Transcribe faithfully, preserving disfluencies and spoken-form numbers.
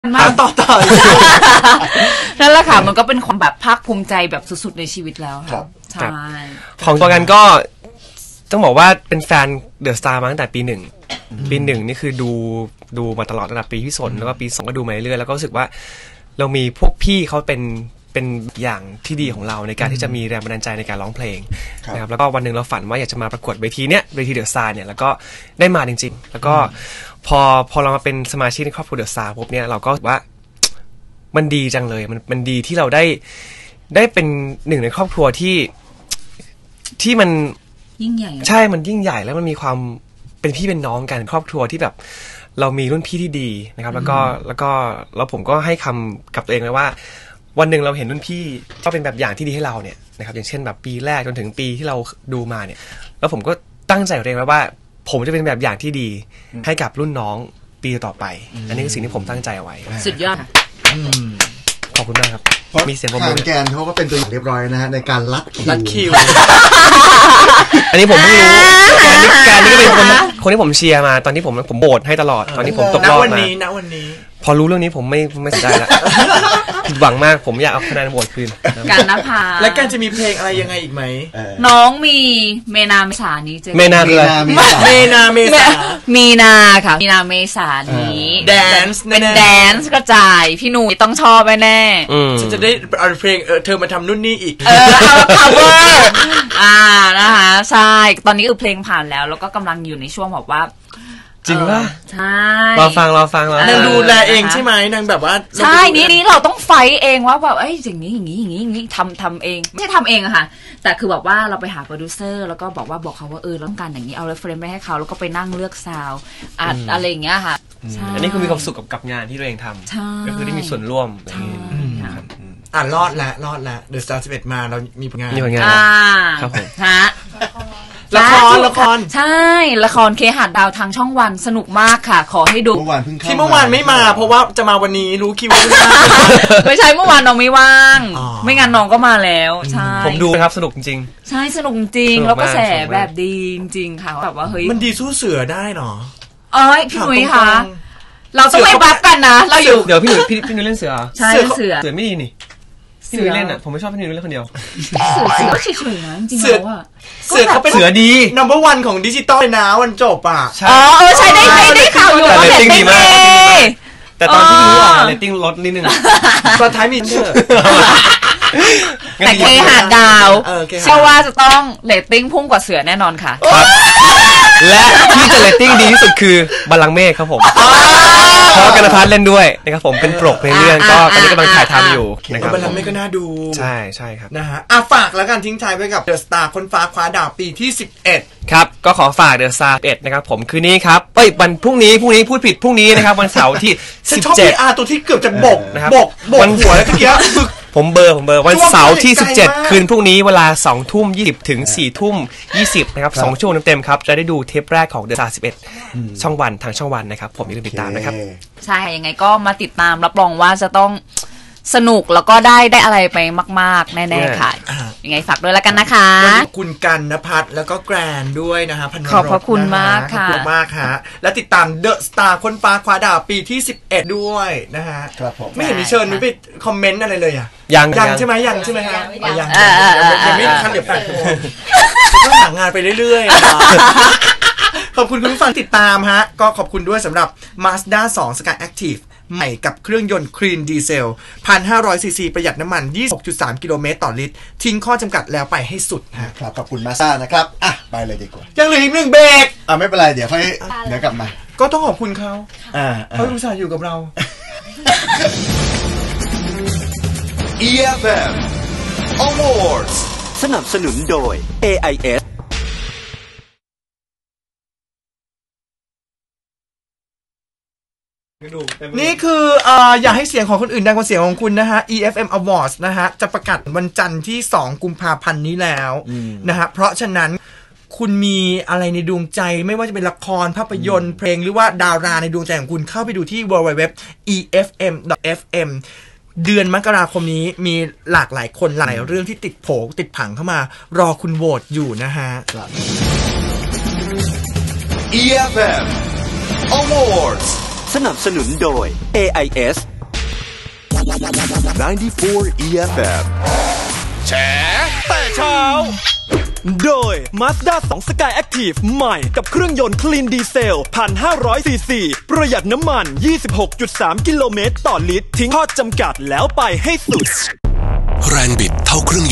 มาต่อต่อนั่นแหละค่ะมันก็เป็นความแบบภาคภูมิใจแบบสุดๆในชีวิตแล้วค่ะใช่ของตัวกันก็ต้องบอกว่าเป็นแฟนเดอะสตาร์มาตั้งแต่ปีหนึ่งปีหนึ่งนี่คือดูดูมาตลอดตั้งแต่ปีที่สนแล้วก็ปีสองก็ดูมาเรื่อยแล้วก็รู้สึกว่าเรามีพวกพี่เขาเป็นเป็นอย่างที่ดีของเราในการที่จะมีแรงบันดาลใจในการร้องเพลงนะครับแล้วก็วันหนึ่งเราฝันว่าอยากจะมาประกวดเวทีเนี้ยเวทีเดอะสตาร์เนี่ยแล้วก็ได้มาจริงๆแล้วก็พอพอเรามาเป็นสมาชิกในครอบครัวเดอะสตาร์ปุ๊บเนี่ยเราก็ว่ามันดีจังเลยมันมันดีที่เราได้ได้เป็นหนึ่งในครอบครัวที่ที่มันยิ่งใหญ่ใช่มันยิ่งใหญ่แล้วมันมีความเป็นพี่เป็นน้องกันครอบครัวที่แบบเรามีรุ่นพี่ที่ดีนะครับแล้วก็แล้วก็แล้วผมก็ให้คำกับตัวเองไว้ว่าวันหนึ่งเราเห็นรุ่นพี่ก็เป็นแบบอย่างที่ดีให้เราเนี่ยนะครับอย่างเช่นแบบปีแรกจนถึงปีที่เราดูมาเนี่ยแล้วผมก็ตั้งใจกับตัวเองไว้ว่าผมจะเป็นแบบอย่างที่ดีให้กับรุ่นน้องปีต่อไปอันนี้คือสิ่งที่ผมตั้งใจเอาไว้สุดยอดขอบคุณมากครับมีเสียงผมทางแกนเขาก็เป็นตัวอย่างเรียบร้อยนะฮะในการรัดรัดคิวอันนี้ผมเพิ่งรู้แกนนี่ก็เป็นคนคนที่ผมเชียร์มาตอนที่ผมผมโบสให้ตลอดตอนที่ผมตกรอบมาณวันนี้ณวันนี้พอรู้เรื่องนี้ผมไม่ไม่สนใจแล้วผิดหวังมากผมอยากเอาคะแนนโหวตคืนการนภาและการจะมีเพลงอะไรยังไงอีกไหมน้องมีเมนาเมษานี้เจอเมนาเมนาเมษามีนาค่ะมีนาเมษานี้แดนซ์เป็นแดนซ์กระจายพี่หนุ่ยต้องชอบแน่ฉันจะได้เอาเพลงเออเธอมาทำนู่นนี่อีกเออเอา cover อ่านะคะใช่ตอนนี้คือเพลงผ่านแล้วแล้วก็กำลังอยู่ในช่วงแบบว่าจริงป่ะใช่รอฟังรอฟังรอนางดูแลเองใช่ไหมนางแบบว่าใช่นี่นี่เราต้องไฟเองว่าแบบเอ้ยอย่างนี้อย่างนี้อย่างนี้อย่างนี้ทำทำเองไม่ใช่ทำเองอะค่ะแต่คือแบบว่าเราไปหาโปรดิวเซอร์แล้วก็บอกว่าบอกเขาว่าเออต้องการอย่างนี้เอาเรฟเฟรนซ์ไปให้เขาแล้วก็ไปนั่งเลือกซาวด์อัดอะไรอย่างเงี้ยค่ะอันนี้คือมีความสุขกับกับงานที่ตัวเองทำก็คือได้มีส่วนร่วมอ่ะรอดละรอดละเดอะสตาร์สิบเอ็ดมาเรามีผลงานมีผลงานครับผมฮะละครละครใช่ละครเคหะดาวทางช่องวันสนุกมากค่ะขอให้ดูที่เมื่อวานไม่มาเพราะว่าจะมาวันนี้รู้คิวไม่ใช่เมื่อวานน้องไม่ว่างไม่งั้นน้องก็มาแล้วใช่ผมดูนะครับสนุกจริงใช่สนุกจริงแล้วก็แสแบบดีจริงค่ะแบบว่าเฮ้ยมันดีสู้เสือได้เนาะเอ้ยพี่หนุ่ยคะเราต้องไม่บัฟกันนะเราอยู่เดี๋ยวพี่หนุ่ยพี่พี่หนุ่ยเล่นเสือใช่เสือเสือไม่ดีนี่พี่หนุ่ยเล่นอ่ะผมไม่ชอบพี่หนุ่ยเล่นคนเดียวเสือเสือเฉยๆนะจริงๆแล้วอ่ะเสือเขาเป็นเสือดี number one ของดิจิตอลเลยนะวันจบอ่ะอ๋อเออใช่ได้ได้ข่าวอยู่ว่าเรตติ้งดีมากแต่ตอนที่รู้อ่ะเรตติ้งลดนิดนึงตอนท้ายมีเชื่อแต่เคหะดาวเชื่อว่าจะต้องเรตติ้งพุ่งกว่าเสือแน่นอนค่ะและที่จะเรตติ้งดีที่สุดคือบัลลังก์เมฆครับผมเพราะกันพัฒน์เล่นด้วยนะครับผมเป็นปกในเรื่องก็ตอนนี้กำลังถ่ายทำอยู่นะครับบัลลังก์เมฆก็น่าดูใช่ใช่ครับนะฮะอ่ะฝากแล้วกันทิ้งท้ายไว้กับเดอะสตาร์คนฟ้าคว้าดาวปีที่สิบเอ็ดครับก็ขอฝากเดอะสตาร์สิบเอ็ดนะครับผมคืนนี้ครับเอ้ยวันพรุ่งนี้พรุ่งนี้พูดผิดพรุ่งนี้นะครับวันเสาร์ที่สิบเจ็ดอ่ะตัวที่เกือบจะบกนะครับบกบกหัวแล้วเมื่อกี้ผมเบอร์ผมเบอร์วันเสาร์ที่สิบเจ็ดคืนพรุ่งนี้เวลา สองทุ่มยี่สิบ ถึง สี่ทุ่มยี่สิบนะครับสองชั่วโมงเต็มๆครับจะได้ดูเทปแรกของ The Star สิบเอ็ดช่องวันทางช่องวันนะครับผมอย่าลืมติดตามนะครับใช่ยังไงก็มาติดตามรับรองว่าจะต้องสนุกแล้วก็ได้ได้อะไรไปมากๆแน่ๆค่ะยังไงฝากด้วยแล้วกันนะคะคุณกันณภัทรแล้วก็แกรนด้วยนะฮะพันขอบพระคุณมากค่ะขอบคุณมากฮะและติดตาม The Star คนฟ้าคว้าดาวปีที่สิบเอ็ดด้วยนะฮะไม่เห็นมีเชิญนุ้ยไปคอมเมนต์อะไรเลยอ่ะยังยังใช่ไหมยังใช่ไหมฮะยังยังไม่ทันเดี๋ยวแปดโมงต้องหางานไปเรื่อยๆขอบคุณคุณผู้ฟังติดตามฮะก็ขอบคุณด้วยสำหรับ Mazda สอง Sky Activeใหม่กับเครื่องยนต์คลีนดีเซล หนึ่งพันห้าร้อยซีซีประหยัดน้ำมัน ยี่สิบหกจุดสาม กิโลเมตรต่อลิตรทิ้งข้อจำกัดแล้วไปให้สุดฮะครับขอบคุณมาซ่านะครับอ่ะไปเลยดีกว่ายังเหลืออีกหนึ่งเบรกอ่ะไม่เป็นไรเดี๋ยวค่อยเดี๋ยวกลับมาก็ต้องขอบคุณเขาอ่าเขาอุตส่าห์อยู่กับเราอี เอฟ เอ็ม Awards สนับสนุนโดย เอ ไอ เอสนี่คืออ่าอยากให้เสียงของคนอื่นดังกว่าเสียงของคุณนะฮะ อี เอฟ เอ็ม Awards นะฮะจะประกาศวันจันทร์ที่สองกุมภาพันธ์นี้แล้วนะฮะเพราะฉะนั้นคุณมีอะไรในดวงใจไม่ว่าจะเป็นละครภาพยนตร์เพลงหรือว่าดาราในดวงใจของคุณเข้าไปดูที่ ดับเบิลยู ดับเบิลยู ดับเบิลยู ดอท อี เอฟ เอ็ม ดอท เอฟ เอ็ม เดือนมกราคมนี้มีหลากหลายคนหลายเรื่องที่ติดโผติดผังเข้ามารอคุณโหวตอยู่นะฮะอี เอฟ เอ็ม Awards สนับสนุนโดย เอ ไอ เอส ninety-four อี เอฟ เอ็มแฉแต่เช้าโดย Mazda ทู Sky Active ใหม่กับเครื่องยนต์คลีนดีเซล หนึ่งพันห้าร้อย ซี ซี ประหยัดน้ำมัน ยี่สิบหกจุดสาม กิโลเมตรต่อลิตรทิ้งข้อจำกัดแล้วไปให้สุดแรงบิดเท่าเครื่อง